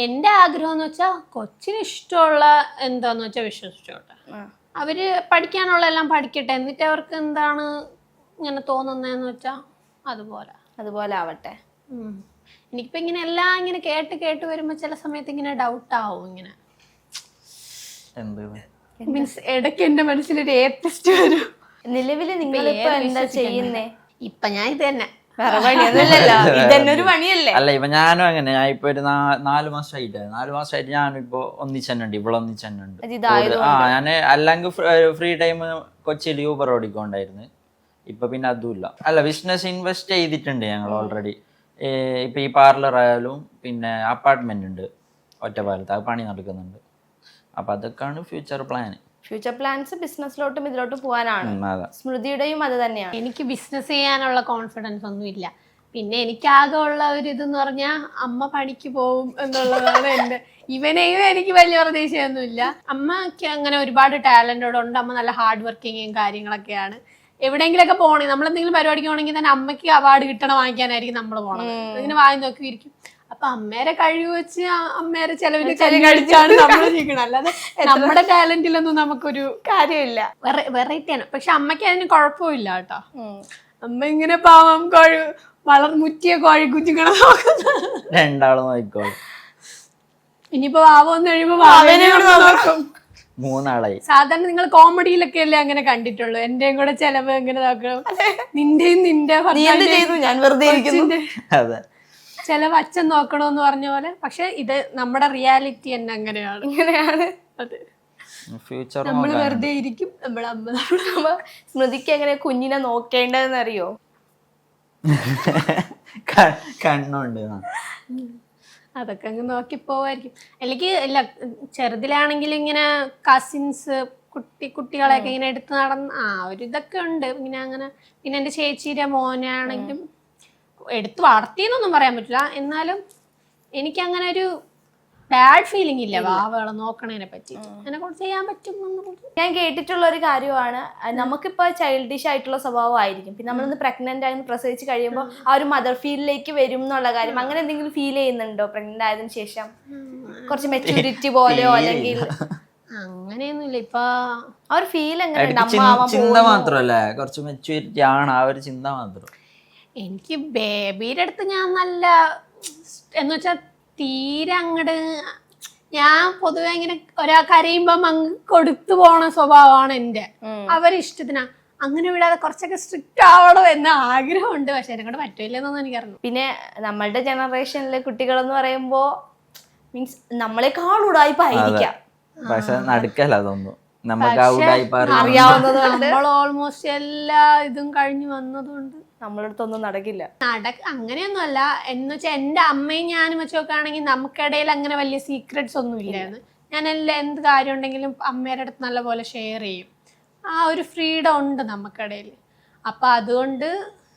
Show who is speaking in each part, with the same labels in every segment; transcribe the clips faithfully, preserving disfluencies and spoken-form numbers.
Speaker 1: എൻ്റെ ആഗ്രഹം എന്ന് വെച്ചാൽ കൊച്ചിന് ഇഷ്ടമുള്ള എന്താന്ന് വെച്ചാൽ വിശ്വസിച്ചോട്ടെ, അവര് പഠിക്കാനുള്ള എല്ലാം പഠിക്കട്ടെ, എന്നിട്ട് അവർക്ക് എന്താണ് ഇങ്ങനെ തോന്നുന്നതെന്ന് വെച്ചാൽ അതുപോലെ
Speaker 2: അതുപോലെ ആവട്ടെ.
Speaker 1: എനിക്കിപ്പോ ഇങ്ങനെ എല്ലാം ഇങ്ങനെ കേട്ട് കേട്ട് വരുമ്പോ ചില സമയത്ത് ഇങ്ങനെ ഡൗട്ട് ആവും, ഇങ്ങനെ മീൻസ് ഇടയ്ക്ക് എന്റെ മനസ്സിലൊരു ഏത്തസ്റ്റ് വരും.
Speaker 2: നിലവില് നിങ്ങളിപ്പോ എന്താ ചെയ്യുന്നേ?
Speaker 1: ഇപ്പൊ ഞാൻ ഇത് തന്നെ
Speaker 2: ഇതന്നൊരു പണിയല്ലേ?
Speaker 3: അല്ല, ഇപ്പൊ ഞാനും അങ്ങനെ. ഞാൻ ഇപ്പൊ ഒരു നാല് മാസമായിട്ട് നാല് മാസമായിട്ട് ഞാനും ഇപ്പൊ ഒന്നിച്ചെന്നുണ്ട്, ഇവിടെ ഒന്നിച്ചെന്നുണ്ട്. ആ ഞാൻ അല്ലെങ്കിൽ ഫ്രീ ടൈം കൊച്ചിയിൽ യൂബർ ഓടിക്കൊണ്ടായിരുന്നു. ഇപ്പൊ പിന്നെ അതുമില്ല. അല്ല, ബിസിനസ് ഇൻവെസ്റ്റ് ചെയ്തിട്ടുണ്ട് ഞങ്ങൾ ഓൾറെഡി. ഇപ്പൊ ഈ പാർലർ ആയാലും പിന്നെ അപ്പാർട്ട്മെന്റ് ഉണ്ട് ഒറ്റപ്പാലത്ത്, അത് പണി നടക്കുന്നുണ്ട്. അപ്പൊ അതൊക്കെയാണ് ഫ്യൂച്ചർ പ്ലാൻ.
Speaker 2: ഫ്യൂച്ചർ പ്ലാൻസ് ബിസിനസ്സിലോട്ടും ഇതിലോട്ടും പോകാനാണ്. സ്മൃതിയുടെയും അത് തന്നെയാണ്.
Speaker 1: എനിക്ക് ബിസിനസ് ചെയ്യാനുള്ള കോൺഫിഡൻസ് ഒന്നും ഇല്ല. പിന്നെ എനിക്കാകെ ഉള്ള ഒരു ഇതെന്ന് പറഞ്ഞാൽ അമ്മ പണിക്ക് പോകും എന്നുള്ളതാണ് എൻ്റെ. ഇവനെയും എനിക്ക് വലിയ പ്രതീക്ഷയൊന്നുമില്ല. അമ്മക്ക് അങ്ങനെ ഒരുപാട് ടാലന്റോടെ ഉണ്ട്. അമ്മ നല്ല ഹാർഡ് വർക്കിങ്ങും കാര്യങ്ങളൊക്കെയാണ്. എവിടെയെങ്കിലൊക്കെ പോകണമെങ്കിൽ നമ്മളെന്തെങ്കിലും പരിപാടിക്ക് പോകണമെങ്കിൽ തന്നെ അമ്മയ്ക്ക് അവാർഡ് കിട്ടണം വാങ്ങിക്കാനായിരിക്കും നമ്മൾ പോകണം. ഇങ്ങനെ വാങ്ങി നോക്കിയിരിക്കും. അപ്പൊ അമ്മേരെ കഴിവ് വെച്ച് അമ്മേരെ ചെലവിന് കഴിച്ചാണ് നമ്മൾ ജീവിക്കണം. അല്ലാതെ നമ്മുടെ ടാലന്റിലൊന്നും നമുക്കൊരു
Speaker 2: കാര്യമില്ല.
Speaker 1: വെറൈറ്റിയാണ്. പക്ഷെ അമ്മയ്ക്ക് അതിന് കുഴപ്പമില്ല കേട്ടോ. അമ്മ ഇങ്ങനെ പാവം കോഴി വളർമുറ്റിയ കോഴി കുഞ്ഞുങ്ങളെ
Speaker 3: രണ്ടാളും നോക്കോളും.
Speaker 1: ഇനിയിപ്പോ വാവന്ന് കഴിയുമ്പോ വാവനെ നോക്കും.
Speaker 3: മൂന്നാളായി.
Speaker 1: സാധാരണ നിങ്ങൾ കോമഡിയിലൊക്കെ അല്ലേ അങ്ങനെ കണ്ടിട്ടുള്ളൂ. എന്റെയും കൂടെ ചെലവ് എങ്ങനെ നോക്കണം, നിന്റെയും നിന്റെ
Speaker 2: ഞാൻ വെറുതെ
Speaker 3: അതെ
Speaker 1: ചെലവ് അച്ഛൻ നോക്കണോന്ന് പറഞ്ഞ പോലെ. പക്ഷെ ഇത് നമ്മുടെ റിയാലിറ്റി തന്നെ അങ്ങനെയാണ്.
Speaker 2: ഇങ്ങനെയാണ്
Speaker 1: അതെ.
Speaker 3: ഫ്യൂച്ചർ
Speaker 1: നമ്മള് വെറുതെ ഇരിക്കും, നമ്മളെ അമ്മ.
Speaker 2: സ്മൃതിക്ക് എങ്ങനെ കുഞ്ഞിനെ നോക്കേണ്ടതെന്ന് അറിയോ?
Speaker 3: കണ്ണുണ്ട്,
Speaker 1: അതൊക്കെ അങ്ങ് നോക്കി പോവായിരിക്കും. അല്ലെങ്കിൽ ഇല്ല, ചെറുതിലാണെങ്കിൽ ഇങ്ങനെ കസിൻസ് കുട്ടി കുട്ടികളെയൊക്കെ ഇങ്ങനെ എടുത്ത് നടന്ന് ആ ഒരു ഇതൊക്കെ ഉണ്ട് ഇങ്ങനെ അങ്ങനെ. പിന്നെ എൻ്റെ ചേച്ചിയുടെ മോനാണെങ്കിലും എടുത്ത് വളർത്തിയെന്നൊന്നും പറയാൻ പറ്റില്ല. എന്നാലും എനിക്കങ്ങനെ ഒരു ബാഡ് ഫീലിംഗ് ഇല്ല വാവകളെ നോക്കണതിനെ പറ്റി. എന്നെ കൊണ്ട് ചെയ്യാൻ പറ്റും.
Speaker 2: ഞാൻ കേട്ടിട്ടുള്ള ഒരു കാര്യമാണ്, നമുക്കിപ്പോ ചൈൽഡിഷ് ആയിട്ടുള്ള സ്വഭാവമായിരിക്കും. പിന്നെ നമ്മളൊന്ന് പ്രഗ്നന്റ് ആയി പ്രസവിച്ച് കഴിയുമ്പോൾ ആ ഒരു മദർ ഫീലിലേക്ക് വരും എന്നുള്ള കാര്യം അങ്ങനെ എന്തെങ്കിലും ഫീൽ ചെയ്യുന്നുണ്ടോ പ്രഗ്നന്റ് ആയതിനു ശേഷം? കുറച്ച് മെച്യൂരിറ്റി പോലെയോ അല്ലെങ്കിൽ
Speaker 1: അങ്ങനെയൊന്നുമില്ല. ഇപ്പൊ
Speaker 2: ആ ഒരു ഫീൽ എങ്ങനെ?
Speaker 3: ചിന്ത മാത്രല്ലേ, കുറച്ച് മെച്യൂരിറ്റി ആണ് ആ ഒരു ചിന്ത മാത്രം.
Speaker 1: എനിക്ക് ബേബിയുടെ അടുത്ത് ഞാൻ നല്ല എന്ന് വെച്ചാൽ തീരെ അങ്ങട് ഞാൻ പൊതുവെ ഇങ്ങനെ ഒരാൾ കരയുമ്പം അങ്ങ് കൊടുത്തു പോണ സ്വഭാവമാണ് എൻ്റെ. അവരിഷ്ടത്തിനാ. അങ്ങനെ വിടാതെ കുറച്ചൊക്കെ സ്ട്രിക്റ്റ് ആവണോ എന്ന ആഗ്രഹമുണ്ട്. പക്ഷെ എന്നെ കൊണ്ട് പറ്റില്ലെന്നൊന്നും എനിക്കറിഞ്ഞു.
Speaker 2: പിന്നെ നമ്മളുടെ ജനറേഷനിലെ കുട്ടികളെന്ന് പറയുമ്പോ മീൻസ് നമ്മളെക്കാൾ ഉടായിപ്പായിരിക്കാം.
Speaker 3: പക്ഷെ നടക്കല്ല അതൊന്നും നമുക്ക്
Speaker 2: അറിയാവുന്നത്.
Speaker 1: നമ്മൾ ഓൾമോസ്റ്റ് എല്ലാ ഇതും കഴിഞ്ഞു വന്നതുകൊണ്ട്
Speaker 2: നമ്മളടുത്തൊന്നും നടക്കില്ല.
Speaker 1: നടക്ക അങ്ങനെയൊന്നും അല്ല എന്ന് വെച്ചാൽ എൻ്റെ അമ്മയും ഞാനും വെച്ച് നോക്കുകയാണെങ്കിൽ നമുക്കിടയിൽ അങ്ങനെ വലിയ സീക്രട്സ് ഒന്നും ഇല്ലായിരുന്നു. ഞാൻ എല്ലാം എന്ത് കാര്യം ഉണ്ടെങ്കിലും അമ്മയുടെ അടുത്ത് നല്ലപോലെ ഷെയർ ചെയ്യും. ആ ഒരു ഫ്രീഡം ഉണ്ട് നമുക്കിടയിൽ. അപ്പം അതുകൊണ്ട്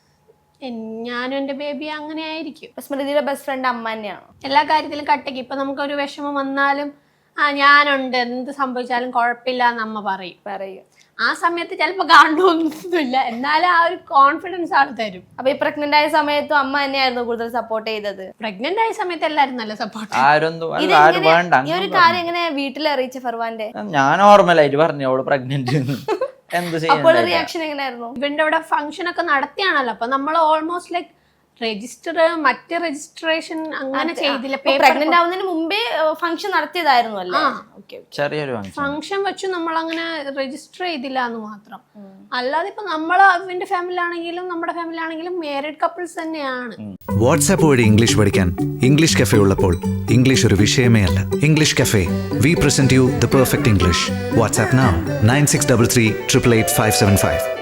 Speaker 1: ഞാനും എൻ്റെ ബേബി അങ്ങനെ ആയിരിക്കും.
Speaker 2: സ്മൃതിയുടെ ബെസ്റ്റ് ഫ്രണ്ട് അമ്മ തന്നെയാണ്
Speaker 1: എല്ലാ കാര്യത്തിലും കട്ടയ്ക്ക്. ഇപ്പം നമുക്കൊരു വിഷമം വന്നാലും ആ ഞാനുണ്ട്, എന്ത് സംഭവിച്ചാലും കുഴപ്പമില്ല എന്ന് അമ്മ പറയും പറയും ആ സമയത്ത് ചിലപ്പോൾ കാണണമെന്നൊന്നുമില്ല, എന്നാലും ആ ഒരു കോൺഫിഡൻസ് ആൾ തരും.
Speaker 2: അപ്പൊ ഈ പ്രഗ്നന്റ് ആയ സമയത്തും അമ്മ തന്നെയായിരുന്നു കൂടുതൽ സപ്പോർട്ട് ചെയ്തത്?
Speaker 1: പ്രഗ്നന്റ് ആയ സമയത്ത് എല്ലാരും നല്ല സപ്പോർട്ട്.
Speaker 2: ഈ ഒരു കാര്യം എങ്ങനെ വീട്ടിൽ അറിയിച്ച ഫർവാന്റെ?
Speaker 3: ഞാൻ നോർമലായിട്ട് പറഞ്ഞു അവള് പ്രഗ്നന്റ്.
Speaker 2: അപ്പോൾ റിയാക്ഷൻ എങ്ങനെയായിരുന്നു?
Speaker 1: ഇവന്റെ അവിടെ ഫംഗ്ഷൻ ഒക്കെ നടത്തിയാണല്ലോ. അപ്പൊ നമ്മൾ ഓൾമോസ്റ്റ് ലൈക്ക് രജിസ്റ്റർ മറ്റേ രജിസ്ട്രേഷൻ അങ്ങനെ ചെയ്തില്ല.
Speaker 2: പ്രഗ്നന്റ് ആവുന്നതിന് മുമ്പേ ഫംഗ്ഷൻ നടത്തിയതായിരുന്നു അല്ലേ?
Speaker 3: ചെറിയൊരു
Speaker 1: ഫംഗ്ഷൻ വെച്ച് നമ്മൾ അങ്ങനെ രജിസ്റ്റർ ചെയ്തില്ല എന്ന് മാത്രം. അല്ലാതെ ഇപ്പൊ നമ്മൾ അവന്റെ ഫാമിലി ആണെങ്കിലും നമ്മുടെ ഫാമിലി ആണെങ്കിലും മാരീഡ് കപ്പിൾസ് തന്നെയാണ്.
Speaker 4: വാട്സാപ്പ് വഴി ഇംഗ്ലീഷ് പഠിക്കാൻ ഇംഗ്ലീഷ് കഫേ ഉള്ളപ്പോൾ ഇംഗ്ലീഷ് ഒരു വിഷയമേ അല്ല. English cafe, we present you the perfect English. WhatsApp now nine six three three eight eight five seven five.